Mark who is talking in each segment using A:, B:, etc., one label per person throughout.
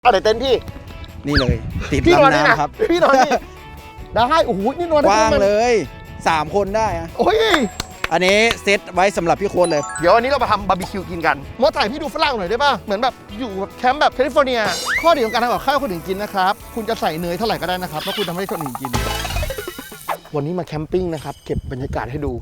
A: เดี๋ยวเต็นท์พี่
B: นี่เลยติด
A: พี่นอน
B: ลำ
A: นี่นะ
B: น้ำครับ
A: พี่นอนนี่ได้โอ้โหนี่นอน
B: ก
A: ได้
B: ว้าง
A: ประมาณ
B: เลย3 คนได้อะ
A: โอ้ย
B: อันนี้เซตไว้สำหรับพี่โค้ดเลย
A: เดี๋ยววันนี้เรามาทำบาร์บีคิวกินกันมดถ่ายพี่ดูฝรั่งหน่อยได้ป่ะเหมือนแบบอยู่แบบแคมป์แบบแคลิฟอร์เนียข้อดีของการทำกับข้าวคนอื่นกินนะครับคุณจะใส่เนยเท่าไหร่ก็ได้นะครับถ้าคุณทำให้คนอื่นกินวันนี้มาแคมปิ้งนะครับเก็บบรรยากาศให้ดู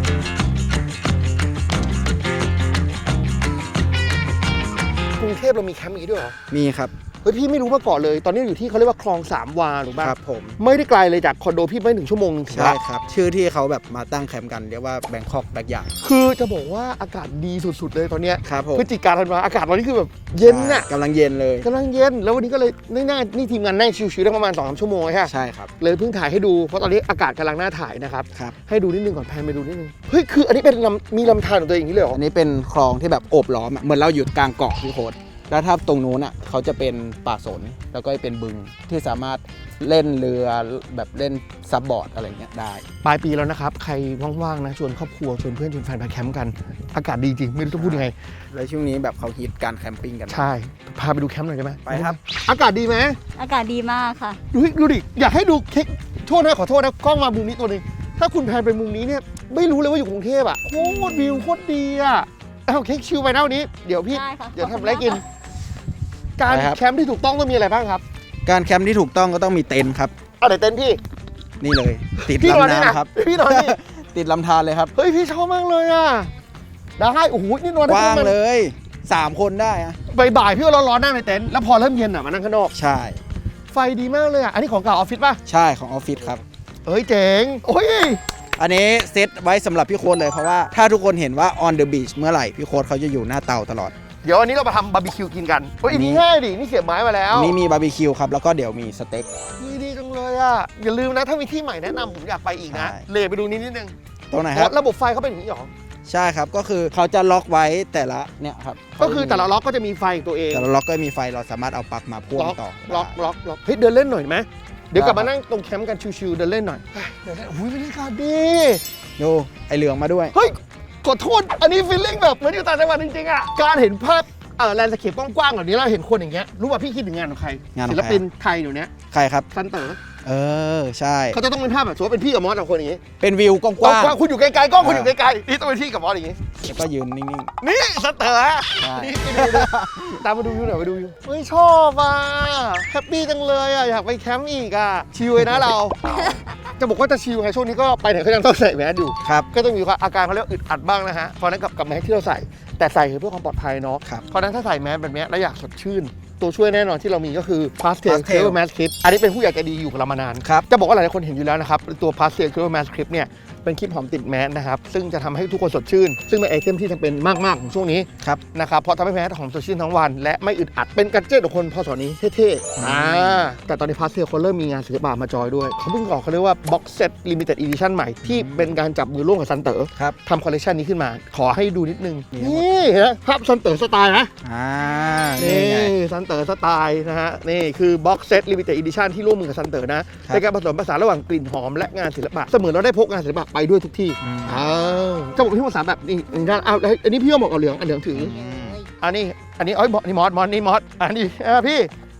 A: กรุงเทพเรามีแคมป์อย่างนี้ด้วยเหรอ
B: มีครับ
A: เฮ้ยพี่ไม่รู้มาก่อนเลยตอนนี้อยู่ที่เขาเรียกว่าคลองสามวาหรือเปล่า
B: ครับผม
A: ไม่ได้ไกลเลยจากคอนโดพี่ไม่ถึงชั่วโมงนึงถึง
B: ใช่
A: ละ
B: ครับ ชื่อที่เขาแบบมาตั้งแคมป์กันเรียกว่าแบงคอกแบ็กยาร์ด
A: คือจะบอกว่าอากาศดีสุดๆเลยตอนเนี้ย
B: ครับผม
A: พฤศจิกาธันวาอากาศวันนี้คือแบบเย็นน่ะ
B: กำลังเย็นเลย
A: กำลังเย็นแล้ววันนี้ก็เลยนั่งนี่ทีมงานนั่งชิวๆได้ประมาณ 2-3 ชั่วโมงใช่ไหม
B: ใช่ครับ
A: เลยเพิ่งถ่ายให้ดูเพราะตอนนี้อากาศกำลังน่าถ่ายนะครับ
B: ครับ
A: ให้ดูนิดนึงก่อนแพนไปดูนิดนึงเฮ้ยคืออันนี้เป็นมีลำธารของตัวเองอย่างนี้เลยเหรอ
B: อันนี้เป็นคลองที่แบบโอบล้อมอะเหมือนเราอยู่กลางเกาะพี่โค้ดแล้วถ้าตรงนู้นอ่ะเขาจะเป็นป่าสนแล้วก็เป็นบึงที่สามารถเล่นเรือแบบเล่นซับบอร์ดอะไรเงี้ยได้
A: ปลายปีแล้วนะครับใครว่างๆนะชวนครอบครัวชวนเพื่อนชวนแฟนไปแคมป์กันอากาศดีจริงไม่รู้จะพูดยังไง
B: แล้วช่วงนี้แบบเขาฮิตการแคมปิ้งกัน
A: ใช่พาไปดูแคมป์หน่อยได้ไหม
B: ไปครับ
A: อากาศดีไหม
C: อากาศดีมากค่ะ
A: ดูดิอยากให้ดูเค้กโทษนะขอโทษนะกล้องมามุมนี้ตัวหนึงถ้าคุณแพนไปมุมนี้เนี่ยไม่รู้เลยว่าอยู่กรุงเทพอ่ะโคตรวิวโคตรดีอ่ะเอาเค้กชิลไปนะวันนี้เดี๋ยวพี่
C: ได้ค่ะ
A: เดี๋ยว
C: ขอบคุณ
A: ทำอะไรกิน
C: มากค่ะ
A: การ
B: ไปครับ
A: แคมป์ที่ถูกต้องต้องมีอะไรบ้างครับ
B: การแคมป์ที่ถูกต้องก็ต้องมีเต็นท์ครับ
A: เดี๋ยวเต็นท์พี่
B: นี่เลย ติด
A: พี่นอน
B: ลำ
A: นี่นะ
B: น้ำครับ
A: พี่นอนนี่
B: ติดลำธารเลยครับ
A: เฮ้ยพี่ชอบมากเลยอ่ะได้โอ้โหนี่นอน
B: ก
A: ได้
B: ว้าง
A: ประมณ
B: เลย3 คนได้อะ
A: บ่ายๆพี่ก็ร้อนๆนั่งในเต็นท์แล้วพอเริ่มเย็นอ่ะมานั่งข้างนอก
B: ใช่
A: ไฟดีมากเลยอ่ะอันนี้ของเก่าออฟฟิศป่ะ
B: ใช่ของออฟฟิศครับ
A: เอ้ยเจ๋งโอ้ย
B: อันนี้เซตไว้สำหรับพี่โค้ดเลยเพราะว่าถ้าทุกคนเห็นว่า on the beach เมื่อไหร่พี่โค้ดเขาจะอยู่หน้าเตาตลอด
A: เดี๋ยววันนี้เรามาทำบาร์บีคิวกินกันเฮ้ยอันนี้ง่ายดินี่เสียบไม้มาแล้ว
B: อันนี้มีบาร์บีคิวครับแล้วก็เดี๋ยวมีสเต็ก
A: ดีจังเลยอ่ะอย่าลืมนะถ้ามีที่ใหม่แนะนำผมอยากไปอีกนะ
B: ใช่
A: เลไปดูนิดนึง
B: ตรงไหนครับ
A: ระบบไฟเขาเป็นอย่างนี้หรอ
B: ใช่ครับก็คือเขาจะล็อกไว้แต่ละเนี่ยครับ
A: ก็คือแต่ละล็อกก็จะมีไฟของตัวเอง
B: แต่ละล็อกก็มีไฟเราสามารถเอาปลั๊กมาพ่วงต่อ
A: ล็อกเฮ้ยเดินเล่นหน่อยไหมเดี๋ยวกลับมานั่งตรงแคมป์กันชิวๆเดินเล่นหน่อยเดินเล่นอุ้ยบรรยากาศดี
B: ดูไอเหลืองมาด้วย
A: เฮ้ยขอโทษอันนี้ฟีลลิ่งแบบเหมือนอยู่ต่างจังหวัดจริงๆอ่ะการเห็นภาพแลนด์สเคปกว้างๆแบบนี้เราเห็นคนอย่างเงี้ยรู้ป่ะพี่คิดถึงงานของใคร
B: งานของ
A: ศิ
B: ใคร
A: ลปินไทยเดี๋ยวนี้
B: ใครครับ
A: ซันเต๋อ
B: ใช่
A: เขาจะต้องเป็นภาพแบบสมมติว่าเป็นพี่กับมอสสองคนอย่างงี้
B: เป็นวิวก
A: ก
B: ว้าง
A: ว้างๆคุณอยู่ไกลๆกล้องคุณอยู่ไกลๆนี่ต้องเป็นพี่กับมอสอย่างงี้
B: ๆแล้วก็ยืนนิ่ง
A: นี่ซันเต๋อ
B: ใช่
A: นี่ไปดูตามมาดูวิวหน่อยไปดูวิวเฮ้ยชอบอ่ะแฮปปี้จังเลยอ่ะอยากไปแคมป์อีกอ่ะชิลเลยนะเรา จะบอกว่าจะชิลไงช่วงนี้ก็ไปไหนก็ยังต้องใส่แมสอยู่
B: ๆครับ
A: ก็ต้องมีอาการเขาเรียกอึดอัดบ้างนะฮะเพราะฉะนั้นกับแมสที่เราใส่แต่ใส่เพื่อความปลอดภัยเนาะ
B: ครับ
A: เพราะฉะนั้นถ้าใส่แมสแบบนี้แล้วอยากสดชื่น ตัวช่วยแน่นอนที่เรามีก็คือ Pastel
B: Pastel
A: Clear Mask Clip อันนี้เป็นผู้ใหญ่ใจดีอยู่กับเรามานาน
B: ครับ
A: จะบอกว่าหลายๆคนเห็นอยู่แล้วนะครับตัว Pastel Clear Mask Clip เนี่ยเป็นคลิปหอมติดแมสนะครับซึ่งจะทำให้ทุกคนสดชื่น ซึ่งเป็นไอเทมที่จำเป็นมากๆของช่วงนี้
B: ครับ
A: นะครับเพราะทำให้แมสหอมสดชื่นทั้งวัน และไม่อึดอัดเป็นกัจเจตของคนพศนี้เท่ๆแต่ตอนนี้ Pastel เขาเริ่มมีงานศิลปะมาจอยด้วยเขาเพิ่งออกเขาเรียกว่า Box Set Limited Edition ใหม่ที่เป็นการจับมือร่วมกับซันเต๋อ
B: ครับ
A: ทำคอลเลคชันนี้ขึ้นมา ขอให้ดูนิดนึง
B: นี่
A: นี่เห็นไหมภาพซันเต๋อสไตล์นะ
B: นี่
A: นี่
B: ไง
A: ซันเต๋อสไตล์นะฮะ นี่คือ Box Set Limited Edition ที่ร่วมมือกับซันเต๋อนะ
B: ครับ
A: ในการผสมผสานระหว่างกลิ่นหอมและงานศิลปะ เสมือนเราได้พกงานศิลปะไปด้วยทุกที่ อ้าวจะบอกพี่ภาษาแบบนี้ด้านอ้าวแล้วอันนี้พี่ก็เหมาะกับเหลือง อันเหลืองถือ อันนี้เอ้ยนี่มอสนี่มอสอันนี้พี่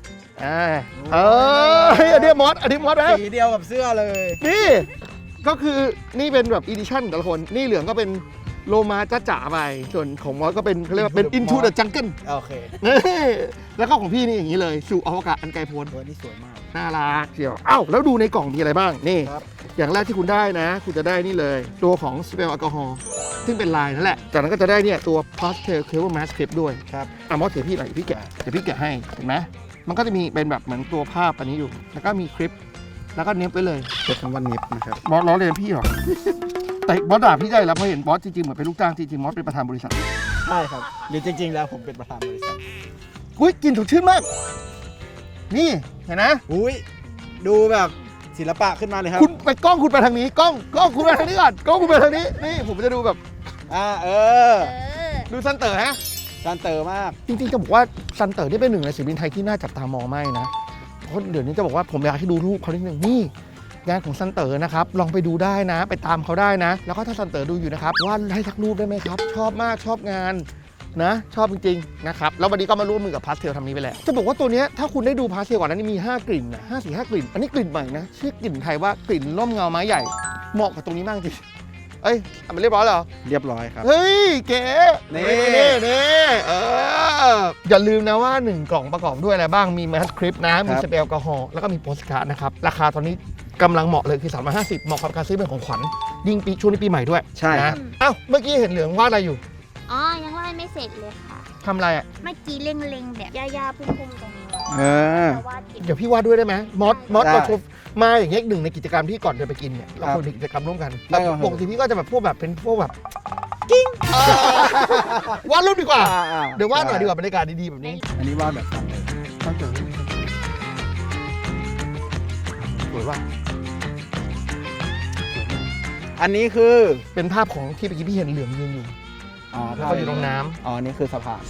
A: อันนี้มอสนะ
B: สีเดียวกับเสื้อเลย
A: นี่ก็คือนี่เป็นแบบอีดิชั่นแต่ละคนนี่เหลืองก็เป็นโลมาจ้าจ๋าไปส่วนของมอสก็เป็นเขาเรียกว่าเป็น Into the Jungle
B: โอเค
A: นี่แล้วก็ของพี่นี่อย่างนี้เลยสู่อวกาศอันไกลโพ้น
B: ตัวนี้สวยมาก
A: น่ารักเชียวอ้าวแล้วดูในกล่องมีอะไรบ้างนี่
B: ครับ
A: อย่างแรกที่คุณได้นะ คุณจะได้นี่เลยตัวของสเปรย์แอลกอฮอล์ซึ่งเป็นลายนั่นแหละจากนั้นก็จะได้เนี่ยตัว Pastel Clear Mask Clip ด้วย
B: ครับ
A: มอสเดี๋ยวพี่หน่อยเดี๋ยวพี่แกะให้เห็นไหมมันก็จะมีเป็นแบบเหมือนตัวภาพอันนี้อยู่แล้วก็มีคลิปแล้วก็เน็บไปเลย
B: เป็นคำว่าเน็บนะครับ
A: บอสล้อเลียนพี่เหรอ แต่บอสด่าพี่ได้แล้วเพราะเห็นบอสจริงๆเหมือนเป็นลูกจ้างจริงๆบอสเป็นประธานบริษัท
B: ใช่ครับหรือจริงๆแล้วผมเป็นประธานบริษัท
A: อุ้ยกลินสดชื่นมาก นี่เห็นนะ
B: อุ้ยดูแบบศิลปะขึ้นมาเลยครับ
A: คุณไปกล้องคุณไปทางนี้กล้องคุณไปทางนี้ก่อนกล้องคุณไปทางนี้นี่ผมจะดูแบบ
C: เออ
A: ดูซันเต๋อฮะ
B: ซันเตอร์มาก
A: จริงๆจะบอกว่าซันเต๋อนี่เป็นหนึ่งในศิลปินไทยที่น่าจับตามองมากนะเพราะเดี๋ยวนี้จะบอกว่าผมอยากให้ดูรูปเขานิดนึงนี่งานของซันเต๋อนะครับลองไปดูได้นะ ไปตามเขาได้นะ แล้วก็ถ้าซันเต๋อดูอยู่นะครับวาดให้สักรูปได้ไหมครับ ชอบมากชอบงานนะชอบจริงๆนะครับแล้ววันนี้ก็มาร่วมมือกับพาสเทลทำนี้ไปแล้วจะบอกว่าตัวเนี้ยถ้าคุณได้ดูพาสเทลก่อนนั้นมี5กลิ่นนะ5 กลิ่นอันนี้กลิ่นใหม่นะชื่อกลิ่นไทยว่ากลิ่นร่มเงาไม้ใหญ่เหมาะกับตรงนี้มากจริงเอ้ยทำไปเรียบร้อยแล้วเหรอ
B: เรียบร้อยครับ
A: เฮ้ยเก๋
B: นี่
A: นี่อย่าลืมนะว่า 1 กล่องประกอบด้วยอะไรบ้างมีแมสคริปนะมีสเปรย์แอลกอฮอล์แล้วก็มีโปสการ์ดนะครับราคาตอนนี้กำลังเหมาะเลยคือ350เหมาะกับการซื้อเป็นของขวัญยิ่งปีช่วงนี้ปีใหม่ด้วย
B: ใช่ครั
A: นะ
B: บ
A: อ้าวเมื่อกี้เห็นเหลืองวาดอะไรอยู่
D: อ๋อ ยังวาดไม่เสร็จเลยค่ะ
A: ทำอะไรอ่ะ
D: เมื่อกี้เล็งๆแบบย่าๆพุ่มๆตรงนี้
B: เออ
D: จะวาดเก็บ
A: เดี๋ยวพี่วาดด้วยได้ไหมมอส
B: ได้
A: เราชมมาอย่างเงี้ยหนึ่งในกิจกรรมที่ก่อนจะไปกินเนี่ยเรา
B: ครับ
A: ควรมีกิจกรรมร่วมกัน
B: ได้ครับ
A: ปกติพี่ก็จะแบบพวกแบบเป็นพวกแบบกิ้งวาดรูปดีกว่า เดี๋ยววาดหน่อยดีกว่าบรรยากาศดีๆแบบนี้
B: อันนี้วาดแบบตั้งเลย
A: ตั้งใจสวยว่ะ
B: อันนี้คือ
A: เป็นภาพของที่เมื่อกี้พี่เห็นเหลืองยืนอยู่
B: อ๋อ
A: แล้วก็อยู่ตรงน้
B: อ๋อ นี่คือสะพาน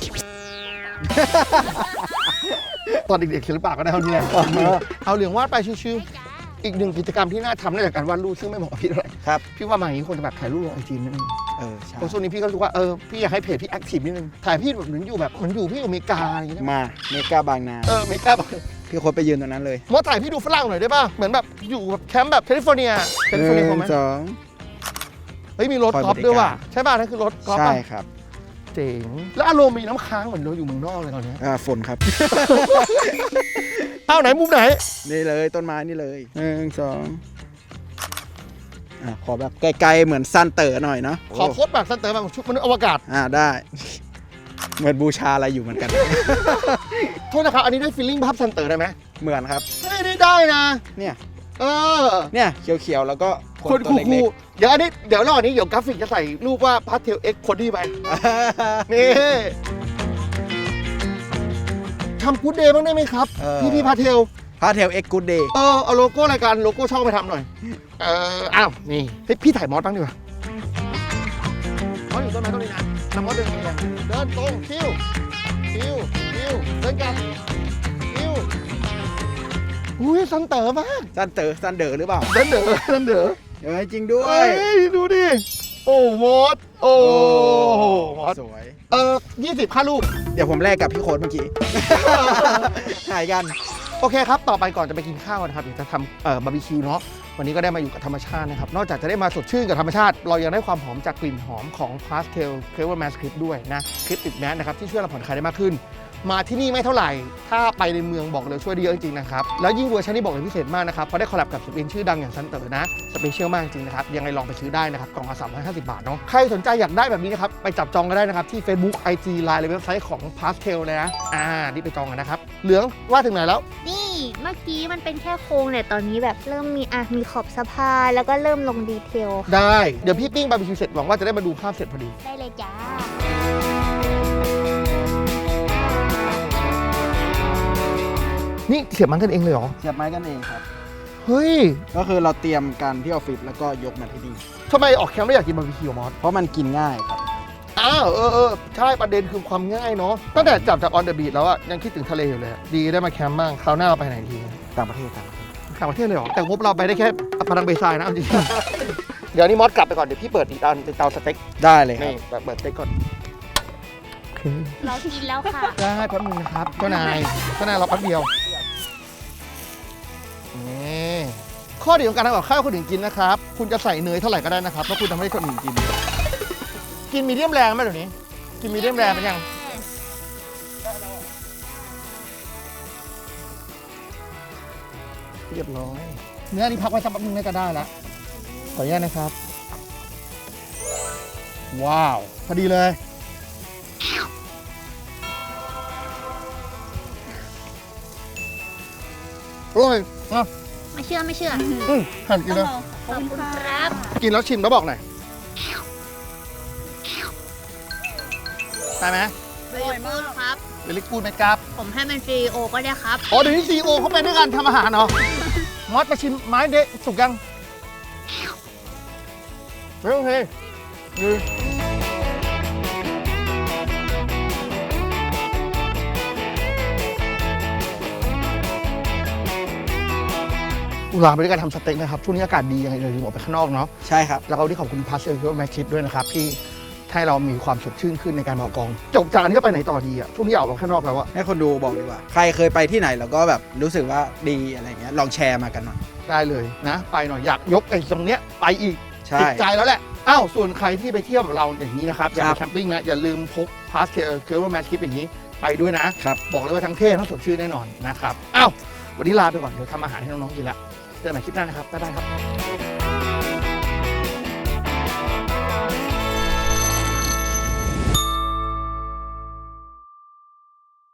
A: ำตอนเด็กๆศิลปะก็ได้เท่านี้แหละเอาเหลืองวาดไปชิวๆอีกหนึ่งกิจกรรมที่น่าทำนอกจากการวาดรูปซึ่งไม่เหมาะกับพี่เท่าไหร่
B: ครับ
A: พี่ว่ามาอย่างนี้ควรจะแบบถ่ายรูปลงไอจีนิดนึง
B: ใช่
A: เพราะช่วงนี้พี่ก็รู้สึกว่าพี่อยากให้เพจพี่แอคทีฟนิดนึงถ่ายพี่แบบเหมือนอยู่แบบเหมือนอยู่พี่อยู่อเมริกาอะไรอย่างเงี้ย
B: มาเมกาบางนา
A: อเมริกาแบบ
B: พี่โค้ดไปยืนตรงนั้นเลย
A: มอสถ่ายพี่ดูฝรั่งหน่อยได้ป่ะเหมือนแบบอยู่แบบแคมป์แบบแคลิฟอร์เนียพอไหม
B: 1
A: เฮ้ยมีรถกอล์ฟด้วยว่ะใช่ป่ะนั่นคือรถกอล์
B: 2
A: ฟ
B: ใช่
A: ป่ะ
B: ครับ
A: เจ๋งแล้วอารมณ์มีน้ำค้างเหมือนเราอยู่เมืองนอกเลยตอนเนี้ย
B: ฝนครับ
A: เอาไหนมุมไหน
B: นี่เลยต้นไม้นี่เลย1 2ขอแบบไกลๆเหมือนซันเต๋อหน่อยเนาะ
A: ขอโค้ดแบบสเตอร์แบบชุดมนุษย์อวกาศ
B: ได้ เหมือนบูชาอะไรอยู่เหมือนกัน
A: โทษนะครับอันนี้ได้ฟีลลิ่งภาพซันเตอร์ได้ไหม
B: เหมือนครับ
A: เฮ้ยได้นะ
B: เนี่ย
A: เออ
B: เนี่ยเขียวๆแล้วก็
A: คน
B: ตัว
A: คู
B: เล็ก
A: ลๆเดี๋ยวอันนี้เดี๋ยวระหว่างนี้เดี๋ยวกราฟิกจะใส่รูปว่าพาสเทลเอ็กคนที่ไป
B: ๆ
A: นี่ทำกู๊ดเดย์บ้างได้ไหมครับ พี่พาเทล
B: พาเทลเอ็กกูดเดย์
A: เอาโลโก้รายการโลโก้ช่องไปทำหน่อยอ้าวนี่เฮ้ยพี่ถ่ายมอสบ้างดีกว่ามอสอยู่ต้นไม้ต้นนี้นะนำมอสเดินไปเลยเดินตรงคิวเดินกลับคิวอุ้ยซันเต๋อมาก
B: ซันเดอร์หรือเปล่า
A: เดินเด๋อ
B: จริงด้ว
A: เฮ้
B: ย
A: ยดูดิโอ้มอสโอ้มอส
B: สวย
A: 20ค่าลูก
B: เดี๋ยวผมแลกกับพี่โค้ดเมื่อกี้ หายกัน
A: โอเคครับ ต่อไปก่อนจะไปกินข้าวนะครับอยากจะทำบาร์บีคิวเนาะ วันนี้ก็ได้มาอยู่กับธรรมชาตินะครับ นอกจากจะได้มาสดชื่นกับธรรมชาติ เรายังได้ความหอมจากกลิ่นหอมของพาสเทลเคเวอร์แมสคลิปด้วยนะ คลิปติดแมสนะครับที่ช่วยเราผ่อนคลายได้มากขึ้น มาที่นี่ไม่เท่าไหร่ ถ้าไปในเมืองบอกเลยช่วยได้เยอะจริงๆนะครับ แล้วยิ่งเวอร์ชันนี้บอกเลยพิเศษมากนะครับ เพราะได้คอลแลบกับศิลปินชื่อดังอย่างซันเตอร์นะ สเปเชียลมากจริงนะครับ ยังไงลองไปซื้อได้นะครับ กล่องละ350 บาทเนาะ ใครสนใจอยากได้แบบนี้นะครับ ไปจับจองกันได้นะครับที่ Facebook IG Line หรือเว็บไซต์ของ Pastel เลยนะ รีบไปจองกันนะครับ เหลืองว่าถึงไหนแล้ว
D: นี่เมื่อกี้มันเป็นแค่โครงเนี่ยตอนนี้แบบเริ่มมีขอบสะพานแล้วก็เริ่มลงดีเทลค่ะ
A: ได้ เดี๋ยวพี่ปิ้งบาร์บีคิวเสร็จหวังว่าจะได้มาดูภาพเสร็จพอดี
D: ได้เลยจ้า
A: นี่เสียบมันกันเองเลยเหรอ
B: เสียบไม้กันเองครับ
A: เฮ้ย
B: ก็คือเราเตรียมกันที่ออฟฟิศแล้วก็ยกมาที่นี่
A: ทำไมออกแคมป์ไม่อยากกินบาร์บีคิวมอส
B: เพราะมันกินง่ายครับ
A: อ้าวใช่ประเด็นคือความง่ายเนาะตั้งแต่จับจากออนเดอะบีชแล้วอะยังคิดถึงทะเลอยู่เลยอะดีได้มาแคมป์บ้างคราวหน้าเราไปไหนที
B: ต่างประเทศครับ
A: ต่างประเทศเลยเหรอแต่งบเราไปได้แค่พนังเบซายนะเอาจริง เดี๋ยวนี้มอสกลับไปก่อนเดี๋ยวพี่เปิดอีกเตาสเต็ก
B: ได้เลยครั
A: นี่
B: บ
A: เปิดสเต็กก่อน
D: เรากินแล้วค่ะ
A: ได้แป๊บนึงนะครับเจ้านายเราแป๊บเดียวนี่ข้อดีของการทำกับข้าวคนอื่นกินนะครับคุณจะใส่เนยเท่าไหร่ก็ได้นะครับแล้วคุณทำให้คนอื่นกินมีเดียมแรงไหมเดี๋ยวนี้กินมีเดียมแรงเป็นยัง เรียบร้อยเนื้อนี่พักไว้สักแป๊บนึงน่าจะได้แล้วขออนุญาตนะครับ ว้าว พอดีเลยอร่อยอ่ะ
D: ไม่เชื่อ
A: หั่นกินแล้ว
D: ขอบคุณครับ
A: กินแล้วชิมแล้วบอกหน่อยได้ไหม
D: อร่อยมากครับ
A: เดลิกูดไหมครับ
D: ผมให้เป็น CEO ก็ได้ครับ
A: อ๋อเดี๋ยวนี้ซีโอเขาไปด้วยกันทำอาหารเหรอมอสมาชิมไม้เดะสุกยังโอเคดีลาไปด้วยการทำสเต็กนะครับ ช่วงนี้อากาศดียังไงเลยออกไปข้างนอกเนาะ
B: ใช่ครับ
A: แล้วก็ที่ขอบคุณพาสเซลที่ว่าแมคชิปด้วยนะครับ ที่ให้เรามีความสดชื่นขึ้นในการมากองจบจากนี้ก็ไปไหนต่อดีอ่ะช่วงนี้ออกมาข้างนอกแล้วอะ
B: ให้คนดูบอกดีกว่า ใครเคยไปที่ไหนแล้วก็แบบรู้สึกว่าดีอะไรเงี้ยลองแชร์มากันหน่อย
A: ได้เลยนะไปหน่อยอยากยกไอ้ตรงเนี้ยไปอีก
B: ใช่
A: ติดใจแล้วแหละอ้าวส่วนใครที่ไปเที่ยวกับเราอย่างนี้นะครับอยาก
B: ครั
A: ไป
B: บ
A: แคมปิ้งนะอย่าลืมพกพาสเคอร์แมทคลิปอย่างนี้ไปด้วยนะครับ บอกเลยว่าทั้งเท่ทั้งสดชื่นแน่นอนนะครับอ้าววันนี้ลาไปก่อนเดี๋ยวทำอาหารให้น้องๆกินละเจอกันใหม่คลิปหน้านะครับบ๊ายบายครับ